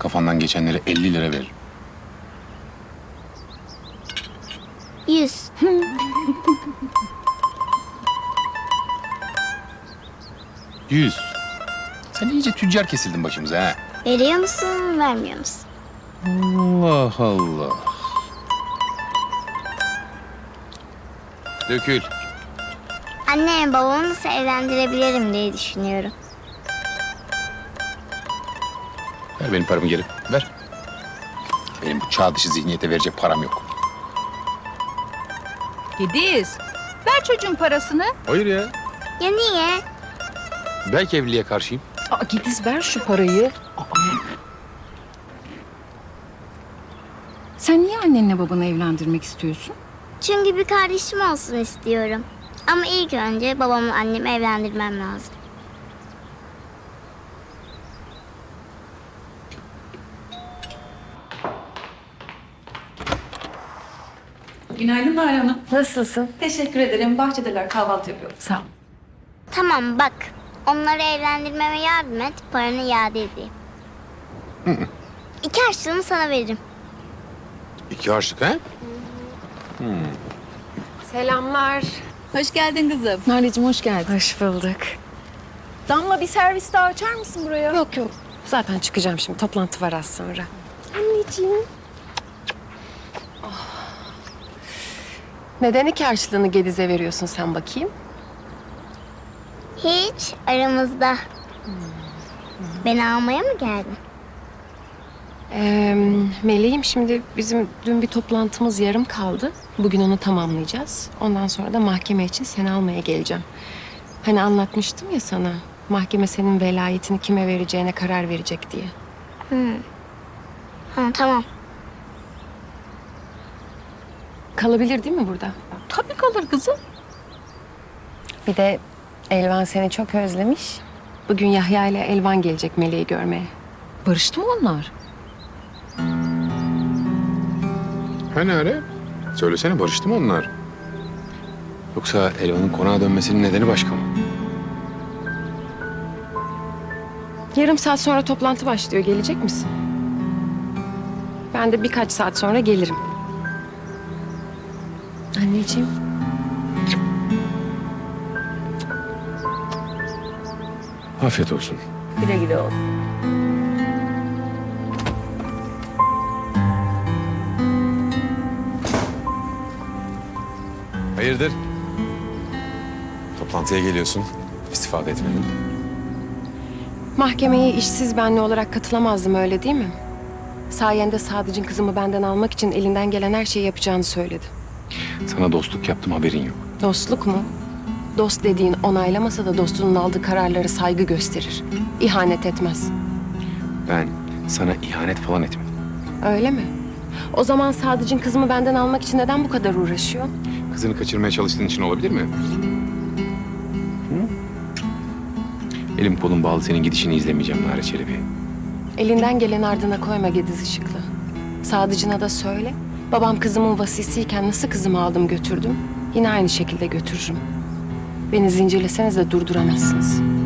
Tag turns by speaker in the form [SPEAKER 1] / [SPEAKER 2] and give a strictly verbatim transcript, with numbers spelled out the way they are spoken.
[SPEAKER 1] kafandan geçenlere elli lira veririm.
[SPEAKER 2] Yüz.
[SPEAKER 1] Yüz. Sen iyice tüccar kesildin başımıza ha.
[SPEAKER 2] Veriyor musun, vermiyor musun?
[SPEAKER 1] Allah Allah. Dökül.
[SPEAKER 2] Anne babamı nasıl evlendirebilirim diye düşünüyorum.
[SPEAKER 1] Ver benim paramı geri. Ver. Benim bu çağ dışı zihniyete verecek param yok.
[SPEAKER 3] Gediz, ver çocuğun parasını.
[SPEAKER 1] Hayır ya.
[SPEAKER 2] Ya niye?
[SPEAKER 1] Belki evliliğe karşıyım.
[SPEAKER 3] Aa, Gediz ver şu parayı. Aa. Sen niye annenle babanı evlendirmek istiyorsun?
[SPEAKER 2] Çünkü bir kardeşim olsun istiyorum. Ama ilk önce babamla annemi evlendirmem lazım.
[SPEAKER 4] Günaydın Nalan Hanım.
[SPEAKER 3] Nasılsın?
[SPEAKER 4] Teşekkür ederim. Bahçedeler kahvaltı yapıyorum.
[SPEAKER 3] Sağ ol.
[SPEAKER 2] Tamam bak, onları evlendirmeme yardım et, paranı iade edeyim. İki harçlığını sana veririm.
[SPEAKER 1] İki harçlık ha?
[SPEAKER 5] Selamlar.
[SPEAKER 3] Hoş geldin kızım. Nalecim hoş geldin.
[SPEAKER 5] Hoş bulduk.
[SPEAKER 3] Damla bir servis daha açar mısın buraya?
[SPEAKER 5] Yok yok. Zaten çıkacağım şimdi. Toplantı var az sonra.
[SPEAKER 2] Anneciğim.
[SPEAKER 5] Neden iki harçlığını Gediz'e veriyorsun sen bakayım?
[SPEAKER 2] Hiç aramızda. Beni almaya mı geldin?
[SPEAKER 5] Ee, Meleğim şimdi bizim dün bir toplantımız yarım kaldı. Bugün onu tamamlayacağız. Ondan sonra da mahkeme için seni almaya geleceğim. Hani anlatmıştım ya sana. Mahkeme senin velayetini kime vereceğine karar verecek diye.
[SPEAKER 2] Ha, tamam.
[SPEAKER 5] Kalabilir değil mi burada?
[SPEAKER 3] Tabii kalır kızım.
[SPEAKER 5] Bir de Elvan seni çok özlemiş. Bugün Yahya ile Elvan gelecek Meleği görmeye.
[SPEAKER 3] Barıştı mı onlar?
[SPEAKER 1] Hani öyle? Söylesene barıştı mı onlar? Yoksa Elvan'ın konağa dönmesinin nedeni başka mı?
[SPEAKER 5] Yarım saat sonra toplantı başlıyor. Gelecek misin? Ben de birkaç saat sonra gelirim. Anneciğim.
[SPEAKER 1] Afiyet olsun.
[SPEAKER 3] Güle güle oğlum.
[SPEAKER 6] Hayırdır? Toplantıya geliyorsun. İstifade etmedin.
[SPEAKER 5] Mahkemeye işsiz benli olarak katılamazdım öyle değil mi? Sayende Sadıcı'nın kızımı benden almak için elinden gelen her şeyi yapacağını söyledi.
[SPEAKER 1] Sana dostluk yaptım haberin yok.
[SPEAKER 5] Dostluk mu? Dost dediğin onaylamasa da dostunun aldığı kararlara saygı gösterir. İhanet etmez.
[SPEAKER 1] Ben sana ihanet falan etmedim.
[SPEAKER 5] Öyle mi? O zaman Sadıcı'nın kızımı benden almak için neden bu kadar uğraşıyor?
[SPEAKER 1] Kızını kaçırmaya çalıştığın için olabilir mi? Hı? Elim kolum bağlı senin gidişini izlemeyeceğim Nare Çelebi.
[SPEAKER 5] Elinden gelen ardına koyma Gediz Işıklı. Sadıcına da söyle. Babam kızımın vasisiyken nasıl kızımı aldım götürdüm. Yine aynı şekilde götürürüm. Beni zincirleseniz de durduramazsınız.